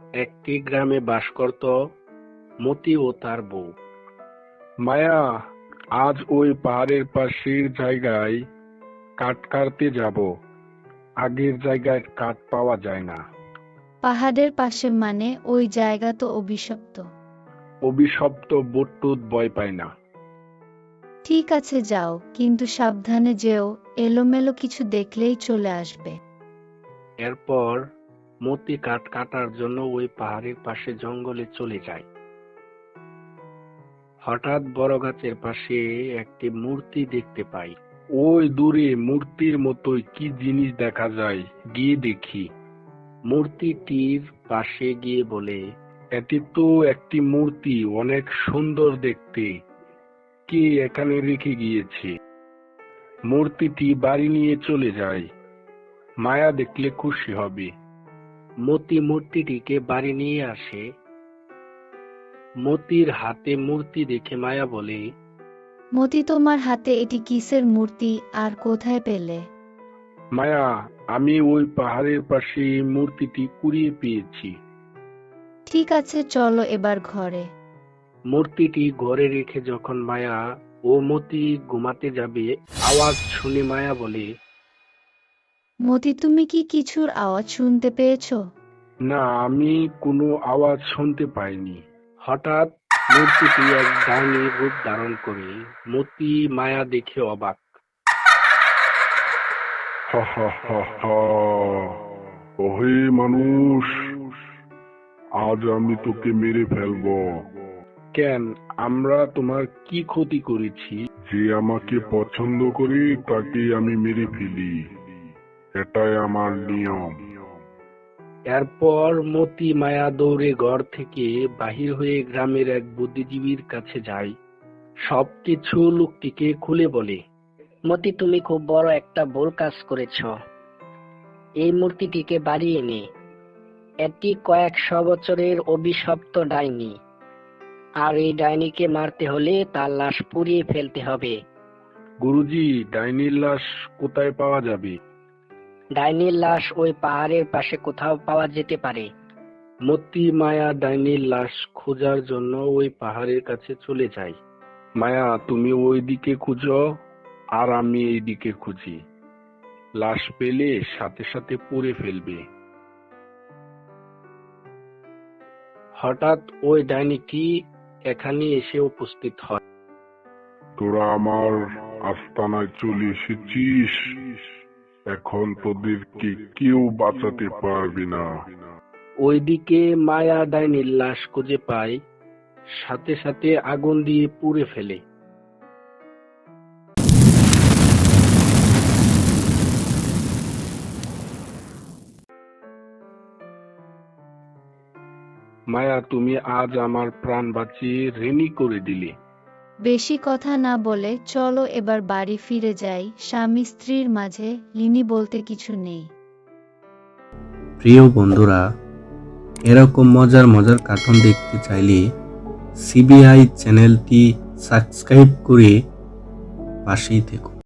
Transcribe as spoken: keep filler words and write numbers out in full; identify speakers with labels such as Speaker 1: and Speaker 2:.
Speaker 1: একটি গ্রামে বাস করত মতি ও তার বউ।
Speaker 2: মায়া, আজ ওই পাহাড়ের পাশের জায়গায় কাঠ কাটতে যাব। আগের জায়গায় কাঠ পাওয়া যায় না।
Speaker 3: পাহাড়ের পাশে মানে ওই জায়গা তো অভিশপ্ত।
Speaker 2: অভিশপ্ত বটটুত ভয় পায় না।
Speaker 3: ঠিক আছে যাও, কিন্তু সাবধানে যেও, এলোমেলো কিছু দেখলেই চলে আসবে।
Speaker 1: এরপর মতি কাঠ কাটার জন্য ওই পাহাড়ের পাশে জঙ্গলে চলে যায়। হঠাৎ বড় গাছের পাশে একটি মূর্তি দেখতে পাই।
Speaker 2: ওই দূরে মূর্তির মতোই কি জিনিস দেখা যায়, গিয়ে দেখি।
Speaker 1: মূর্তিটির পাশে গিয়ে বলে,
Speaker 2: এটি তো একটি মূর্তি, অনেক সুন্দর দেখতে। কে এখানে রেখে গিয়েছে? মূর্তিটি বাড়ি নিয়ে চলে যায়। মায়া দেখলে খুশি হবে।
Speaker 1: মতি মূর্তিটিকে বাড়ি নিয়ে আসে। মতির হাতে মূর্তি দেখে মায়া বলে,
Speaker 3: মতি, তোমার হাতে এটি কিসের মূর্তি আর কোথায় পেলে?
Speaker 2: মায়া, আমি ওই পাহাড়ের পাশে মূর্তিটি কুড়িয়ে পেয়েছি।
Speaker 3: ঠিক আছে, চলো এবার ঘরে।
Speaker 1: মূর্তিটি ঘরে রেখে যখন মায়া ও মতি ঘুমাতে যাবে, আওয়াজ শুনে মায়া বলে,
Speaker 3: মতি, তুমি কি কিছুর আওয়াজ শুনতে পেয়েছো?
Speaker 2: না, আমি কোনো আওয়াজ শুনতে পাইনি।
Speaker 1: হঠাৎ মূর্তিটি এক ডাইনির রূপ ধারণ করে। মতি মায়া দেখে অবাক।
Speaker 2: হা হা হা হা, ওহে মানুষ, আজ আমি তোকে মেরে ফেলবো। কেন, আমরা তোমার কি ক্ষতি করেছি? যে আমাকে পছন্দ করে তাকে আমি মেরে ফেলি, এটাই আমার নিয়ম।
Speaker 1: এরপর মতি মায়া দৌড়ে ঘর থেকে বাহির হয়ে গ্রামের এক বুদ্ধিজীবীর কাছে যায়। সবকিছু লোকটিকে খুলে বলে। মতি, তুমি খুব বড় একটা ভুল কাজ করেছ। এই মূর্তিটিকে বাড়িয়ে নে। এটি কয়েকশো বছরের অভিশপ্ত ডাইনি, আর এই ডাইনিকে মারতে হলে তার লাশ পুড়িয়ে ফেলতে হবে।
Speaker 2: গুরুজি, ডাইনির লাশ কোথায় পাওয়া যাবে?
Speaker 1: ডাইনির লাশ ওই পাহাড়ের পাশে কোথাও পাওয়া যেতে পারে। মতি মায়া ডাইনির লাশ খোঁজার জন্য ওই পাহাড়ের কাছে চলে যায়।
Speaker 2: মায়া, তুমি ওই দিকে খুঁজো আর আমি এই দিকে খুঁজি। লাশ পেলে সাথে সাথে পুড়ে ফেলবে।
Speaker 1: হঠাৎ ওই ডাইনিটি এখানে এসে উপস্থিত হয়।
Speaker 2: তোরা আমার আস্তানায় চলে এসেছিস, এখন তোদেরকে কেউ বাঁচাতে পারবে না।
Speaker 1: ওইদিকে মায়া ডাইনির লাশ খুঁজে পায়, সাথে সাথে আগুন দিয়ে পুড়ে ফেলে।
Speaker 2: মায়া, তুমি আজ আমার প্রাণ বাঁচিয়ে ঋণী করে দিলে।
Speaker 3: বেশি কথা না বলে চলো এবার বাড়ি ফিরে যাই। স্বামী স্ত্রীর মাঝে ঋণী বলতে কিছু নেই।
Speaker 4: প্রিয় বন্ধুরা, এরকম মজার মজার কার্টুন দেখতে চাইলে সিবিআই চ্যানেলটি সাবস্ক্রাইব করে পাশেই থেকো।